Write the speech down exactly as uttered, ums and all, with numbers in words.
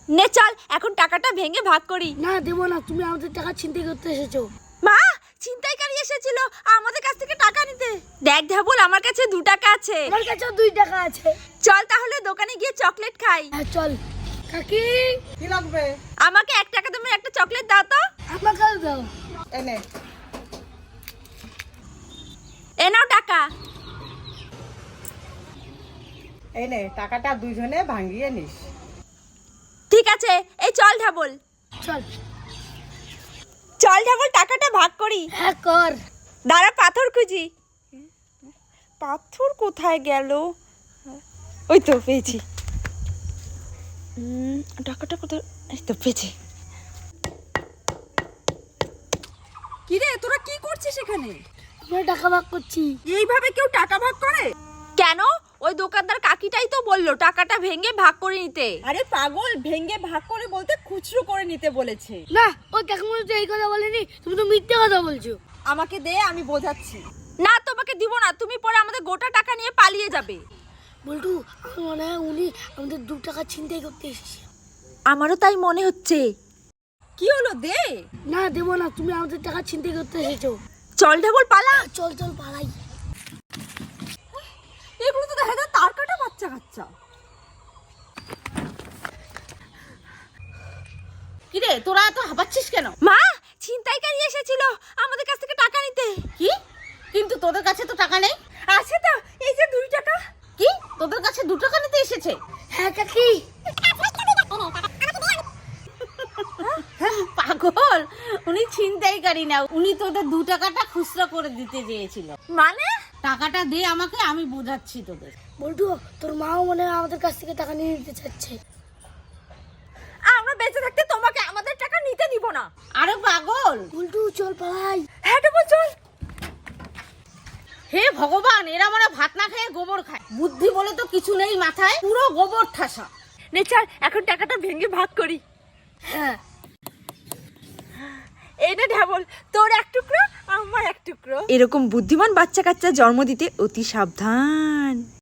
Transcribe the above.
নে চল এখন টাকাটা ভেঙে ভাগ করি। না দেবো না, তুমি আমাদের টাকা ছিনতাই করতে এসেছো। মা, ছিনতাইকারী এসেছিল আমাদের কাছ থেকে টাকা নিতে। দেখ ধাবল, আমার কাছে দু টাকা আছে। আমার কাছেও দুই টাকা আছে। চল তাহলে দোকানে গিয়ে চকলেট খাই। হ্যাঁ চল। কাকি কি লাগবে? আমাকে এক টাকা তুমি একটা চকলেট দাও তো। আমাকে দাও। এনে এ নাও টাকা। এনে টাকাটা দুইজনে ভাঙিয়ে নিস। ঠিক আছে, এই চল ধাবল। চল। চল ধাবল, টাকাটা ভাগ করি। হ্যাঁ কর। দাঁড়া পাথর খুঁজি। পাথর কোথায় গেল? ওই তো পেয়েছি। উম, টাকাটা কোথায়? এই তো পেয়েছি। কিরে তোরা কি করছিস এখানে? আমরা টাকা ভাগ করছি। এইভাবে কেউ টাকা ভাগ করে? কেন? ওই দোকানদার কাকিটাই তো বললো টাকাটা ভেঙে ভাগ করে নিতে। আরে পাগল, ভেঙে ভাগ করে বলতে খুচরো করে নিতে বলেছে। না, ওই কাকিমা তো এই কথা বলেনি, তুমি তো মিথ্যে কথা বলছো। আমাকে দে, আমি বোঝাচ্ছি। না তোমাকে দিব না, তুমি পরে আমাদের গোটা টাকা নিয়ে পালিয়ে যাবে। বল্টু, আমার মনে হয় উনি আমাদের দু টাকা ছিনতাই করতে এসেছে। আমারও তাই মনে হচ্ছে। কি হলো, দে। না দেবো না, তুমি আমাদের টাকা ছিনতাই করতে এসেছো। চল ঢাবল পালা। চল চল পালাই। এগুলো তো দেখা যায় তার কাটা বাচ্চা কাচ্চা। কিরে তোরা এত হাঁপাচ্ছিস কেন? মা, ছিনতাইকারী এসেছিল আমাদের কাছ থেকে টাকা নিতে। কি? কিন্তু তোদের কাছে তো টাকা নেই। আছে তো, এই যে দুই টাকা। কি? তোদের কাছে দু টাকা নিতে এসেছে? হ্যাঁ কাকি। পাগল, উনি ছিনতাইকারী না, উনি তোদের দু টাকাটা খুচরা করে দিতে চেয়েছিল। মানে? টাকাটা দে আমাকে, আমি বোঝাচ্ছি তোদের। বল্টু, তোর মাও মনে হয় আমাদের কাছ থেকে টাকা নিয়ে নিতে চাচ্ছে। আমরা বেঁচে থাকতে তোমাকে আমাদের টাকা নিতে দিব না। আরে পাগল। বল্টু চল পালাই। হ্যাঁ ঢাবল চল। হে ভগবান, এরা মানে ভাত না খেয়ে গোবর খায়। বুদ্ধি বলে তো কিছু নেই মাথায়, পুরো গোবর ঠাসা। নে চল এখন টাকাটা ভেঙে ভাগ করি। হ্যাঁ। এই নে ঢাবল, তোর এক টুকরো আমার এক টুকরো। এরকম বুদ্ধিমান বাচ্চা কাচ্চা জন্ম দিতে অতি সাবধান।